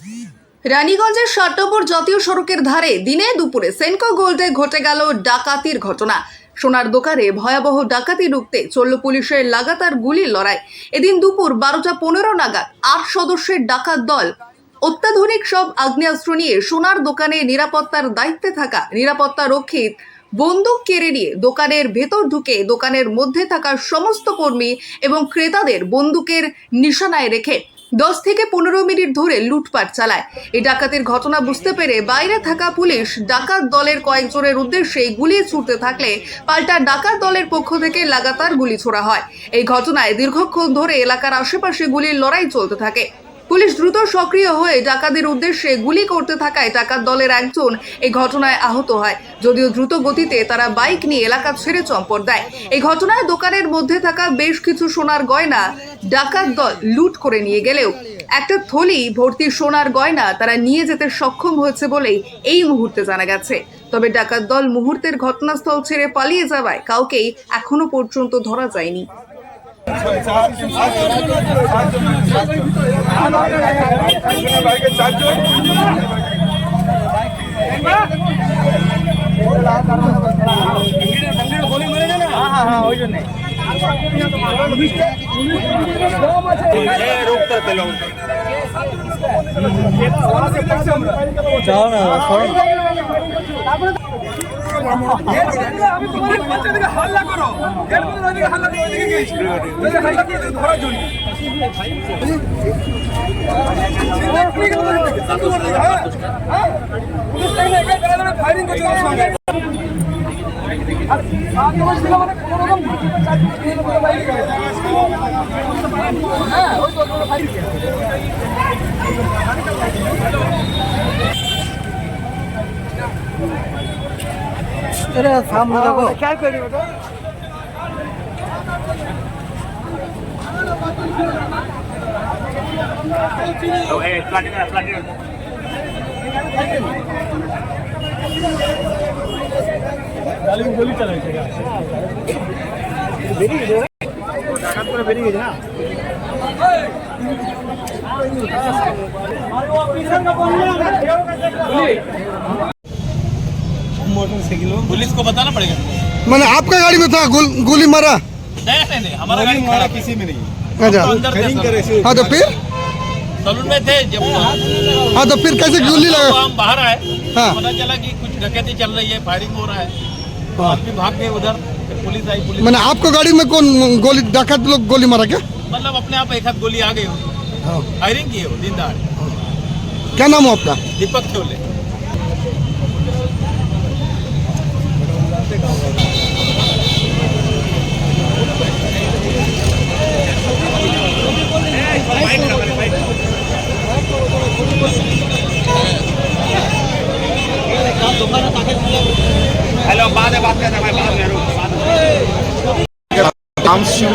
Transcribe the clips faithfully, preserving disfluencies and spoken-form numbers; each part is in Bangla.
রানীগঞ্জের ষাট নম্বর জাতীয় সড়কের ধারে দিনে দুপুরে সেনকো গোল্ডে ঘটে গেল ডাকাতির ঘটনা। সোনার দোকানে ভয়াবহ ডাকাতি রুখতে চলল পুলিশের লাগাতার গুলির লড়াই। এদিন দুপুর বারোটা পনেরো নাগাদ আট সদস্যের ডাকাত দল অত্যাধুনিক সব আগ্নেয়াস্ত্র নিয়ে সোনার দোকানে নিরাপত্তার দায়িত্বে থাকা নিরাপত্তা রক্ষীর বন্দুক কেড়ে নিয়ে দোকানের ভেতর ঢুকে দোকানের মধ্যে থাকা সমস্ত কর্মী এবং ক্রেতাদের বন্দুকের নিশানায় রেখে দশ থেকে পনেরো মিনিট ধরে লুটপাট চালায়। এই ডাকাতির ঘটনা বুঝতে পেরে বাইরে থাকা পুলিশ ডাকাত দলের কয়েকজনের উদ্দেশ্যে গুলি ছুটতে থাকলে পাল্টা ডাকাত দলের পক্ষ থেকে লাগাতার গুলি ছোড়া হয়। এই ঘটনায় দীর্ঘক্ষণ ধরে এলাকার আশেপাশে গুলির লড়াই চলতে থাকে। পুলিশ দ্রুত সক্রিয় হয়ে ডাকাতের উদ্দেশ্যে গুলি করতে থাকায় ডাকাত দলের একজন এই ঘটনায় আহত হয়। যদিও দ্রুত গতিতে তারা বাইক নিয়ে এলাকা ছেড়ে চম্পট দেয়। এই ঘটনায় দোকানের মধ্যে থাকা বেশ কিছু সোনার গয়না ডাকাত দল লুট করে নিয়ে গেলেও একটা থলি ভর্তি সোনার গয়না তারা নিয়ে যেতে সক্ষম হয়েছে বলেই এই মুহূর্তে জানা গেছে। তবে ডাকাত দল মুহূর্তের ঘটনাস্থল ছেড়ে পালিয়ে যাওয়ায় কাউকেই এখনো পর্যন্ত ধরা যায়নি। যাও না হাল্লা করো হাল্লা ধরার জন্য ফায়ারিং করছে सामने देखो क्या करी बेटा तो ए फ्लैट में फ्लैट में गाली में गोली चलाई थी बेरी गई डाकात पर बेरी गई ना मारो ऑफिसर का फोन में मोटरसाइकिल पुलिस को बताना पड़ेगा। मैंने आपका गाड़ी में था गोल, गोली मारा? नहीं नहीं नहीं हमारा गाड़ी मारा खड़ा किसी में नहीं अच्छा अंदर थे सब। हाँ तो फिर सलून में थे जब हाँ तो फिर कैसे गोली तो लगा? हम बाहर आए हाँ। पता चला कि कुछ डकैती चल रही है, फायरिंग हो रहा है तो आदमी भाग गए उधर, फिर पुलिस आई। पुलिस मैंने आपको गाड़ी में कौन गोली डाकत लोग गोली मारा क्या? मतलब अपने आप एक हाथ गोली आ गई हो, फायरिंग की हो दिन दहाड़े। क्या नाम है आपका? दीपक छोले। हेलो बाद में बात करते हैं भाई, बाद में रुक নাম ছিল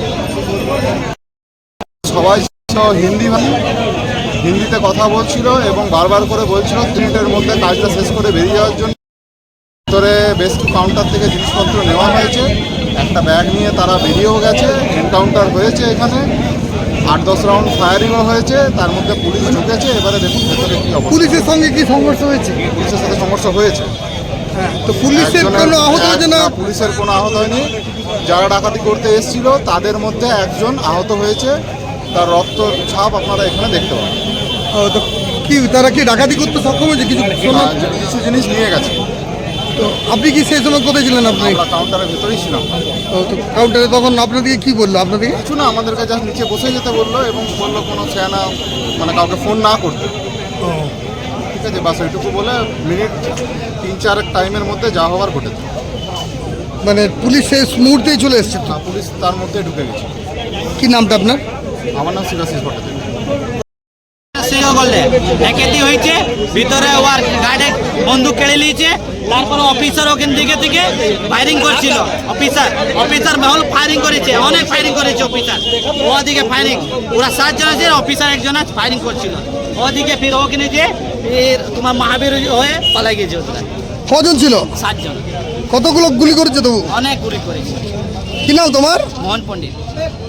সবাই ছিল হিন্দি হিন্দিতে কথা বলছিল এবং বারবার করে বলছিল মিনিটের মধ্যে কাজটা শেষ করে বেরিয়ে যাওয়ার জন্য। ভিতরে বেশ কিছু কাউন্টার থেকে জিনিসপত্র নেওয়া হয়েছে, একটা ব্যাগ নিয়ে তারা বেরিয়েও গেছে। এনকাউন্টার হয়েছে, এখানে আট দশ রাউন্ড ফায়ারিংও হয়েছে, তার মধ্যে পুলিশ ঢুকেছে। এবারে দেখুন ভেতরে কি অবস্থা। পুলিশের সঙ্গে কি সংঘর্ষ হয়েছে? পুলিশের সাথে সংঘর্ষ হয়েছে। তো পুলিশের একজনের- কোনো আহত হয়েছে না? না, পুলিশের কোনো আহত হয়নি। যারা ডাকাতি করতে এসেছিল তাদের মধ্যে একজন আহত হয়েছে, তার রক্ত ছাপ আপনারা এখানে দেখতে পাবেন। ও, তো কি তারা কি ডাকাতি করতে সক্ষম হয়েছে? কিছু সোনা? আর যে কিছু জিনিস নিয়ে গেছে। তো আপনি কি সেই সময় কোথায় ছিলেন? আপনি আমরা কাউন্টারের ভেতরেই ছিলাম। ও, তো কাউন্টারে তখন আপনাদেরকে কি বললো? আপনাদেরকে কিছু না, আমাদেরকে জাস্ট নিচে বসে যেতে বললো এবং বললো কোনো সেনা মানে কাউকে ফোন না করতে। ও, ঠিক আছে, বাস ওইটুকু বলে মিনিট তিন চার টাইমের মধ্যে যা হওয়ার ঘটেছে। মানে পুলিশ সেই মুহূর্তেই চলে এসছে তো? না, পুলিশ তার মধ্যে ঢুকে গেছে। কি নামটা আপনার? আমার নাম শিবাশিস ভট্টাচার্য। সিংহ বললে একেতি হয়েছে ভিতরে ওর গার্ডে বন্দুক কেড়ে নিয়েছে। তারপর অফিসার ওখান থেকে থেকে ফায়ারিং করছিল। অফিসার অফিসার মহল ফায়ারিং করেছে, অনেক ফায়ারিং করেছে অফিসার। ওদিকে ফায়ারিং ওরা সাতজন আছে, অফিসার একজন আছে ফায়ারিং করছিল। ওদিকে ফির ওখানে যে ফির তোমার মহাবীর হয়ে পালাই গেছে ওরা। কজন ছিল? সাতজন। কতগুলো গুলি করেছে তবু? অনেক গুলি করেছে। কি নাম তোমার? মোহন পণ্ডিত।